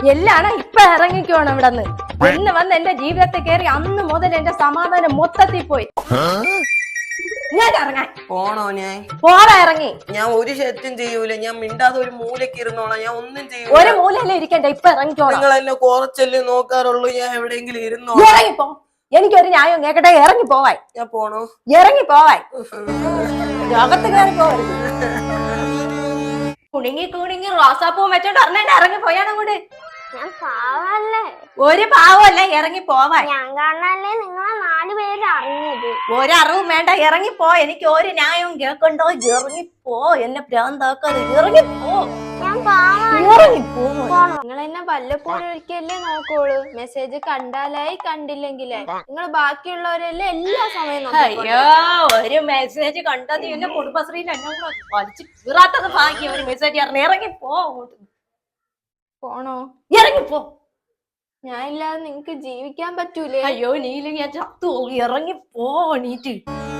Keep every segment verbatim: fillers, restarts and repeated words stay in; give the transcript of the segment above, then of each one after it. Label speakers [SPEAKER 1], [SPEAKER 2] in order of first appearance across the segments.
[SPEAKER 1] എല്ലാണ് ഇപ്പൊ ഇറങ്ങിക്കോണം ഇവിടെ നിന്ന്. ഇന്ന് വന്ന് എന്റെ ജീവിതത്തെ കയറി അന്ന് മുതൽ എന്റെ സമാധാനം മൊത്തത്തിൽ പോയി. ഞാൻ ഇറങ്ങാൻ
[SPEAKER 2] പോണോ? ഞാൻ
[SPEAKER 1] പോടാ ഇറങ്ങി.
[SPEAKER 2] ഞാൻ ഒരു ശല്യം ചെയ്യൂല. ഞാൻ മിണ്ടാതെ ഒരു മൂലക്ക് ഇരുന്നോളാം. ഞാൻ ഒന്നും ചെയ്യൂല.
[SPEAKER 1] ഒരു മൂലല്ലേ ഇരിക്കണ്ട, ഇപ്പൊ ഇറങ്ങിക്കോളാം.
[SPEAKER 2] നിങ്ങൾ എന്നെ കുറച്ചല്ലേ നോക്കാറുള്ളൂ. ഞാൻ എവിടെയെങ്കിലും ഇരുന്നോ?
[SPEAKER 1] ഇറങ്ങിപ്പോ. എനിക്കൊരു ന്യായം കേക്കട്ടെ. ഇറങ്ങി പോവാൻ.
[SPEAKER 2] ഞാൻ പോണോ?
[SPEAKER 1] ഇറങ്ങി പോവാൻ. ലോകത്ത് കയറി പോവരുത്. കുണുങ്ങി കുണുങ്ങി റോസാപ്പൂ വെച്ചോണ്ട് അറിഞ്ഞ ഇറങ്ങി പോയാണ് കൂടെ.
[SPEAKER 3] ഞാൻ പാവല്ലേ?
[SPEAKER 1] ഒരു പാവല്ല, ഇറങ്ങി പോവാൻ.
[SPEAKER 3] ഞാൻ കാണാനല്ലേ നിങ്ങളെ നാല് പേര് അറിഞ്ഞത്.
[SPEAKER 1] ഒരറിവും വേണ്ട, ഇറങ്ങിപ്പോ. എനിക്ക് ഒരു ന്യായവും കേൾക്കണ്ടോ? ഇറങ്ങിപ്പോ. എന്നെ ഭ്രാന്താക്കാതെ ഇറങ്ങിപ്പോ.
[SPEAKER 3] ഞാൻ പാവം.
[SPEAKER 1] ഇറങ്ങിപ്പോ.
[SPEAKER 4] നിങ്ങൾ എന്നെ വല്ലപ്പോഴും ഒരിക്കലേ നോക്കോളൂ. മെസ്സേജ് കണ്ടാലായി കണ്ടില്ലെങ്കിലായി. നിങ്ങൾ ബാക്കിയുള്ളവരെല്ലാം എല്ലാ സമയം നോക്കും.
[SPEAKER 1] അയ്യോ, ഒരു മെസ്സേജ് കണ്ടത് എന്നെ കുടുംബശ്രീയിൽ എന്നെ കൂടെ വലിച്ചു കീറാത്തത് ഭാഗ്യം. ഒരു മെസ്സേജ് ഇറങ്ങി ഇറങ്ങിപ്പോ.
[SPEAKER 4] പോണോ?
[SPEAKER 1] ഇറങ്ങിപ്പോ.
[SPEAKER 4] ഞാൻ ഇല്ലാതെ നിങ്ങക്ക് ജീവിക്കാൻ പറ്റൂലേ?
[SPEAKER 1] അയ്യോ, നീല ഞാൻ ചത്തു. ഇറങ്ങിപ്പോ. നീറ്റ്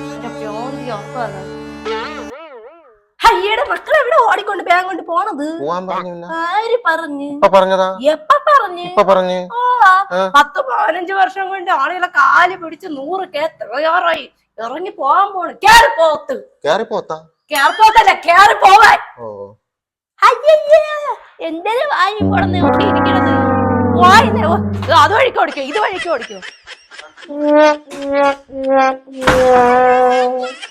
[SPEAKER 1] അയ്യയുടെ മക്കളെ എവിടെ ഓടിക്കൊണ്ട് ബാഗ് കൊണ്ട് പോണത്? ആര് പറഞ്ഞു? എപ്പ പറഞ്ഞു? പത്ത് പതിനഞ്ച് വർഷം കൊണ്ട് ആളുകളെ കാല് പിടിച്ച് നൂറ് കേ തയ്യാറായി ഇറങ്ങി പോവാൻ പോണ്. കേറി പോത്ത്. കേറി പോത്തല്ല, കേറി പോവാൻ. അയ്യയ്യേ, എന്തിനു വാങ്ങി പോണെന്ന് ഇവിടെ ഇരിക്കണത്? വായിന്നെ അത് വഴിക്ക് ഓടിക്കോ, ഇത് വഴിക്ക് ഓടിക്കോ.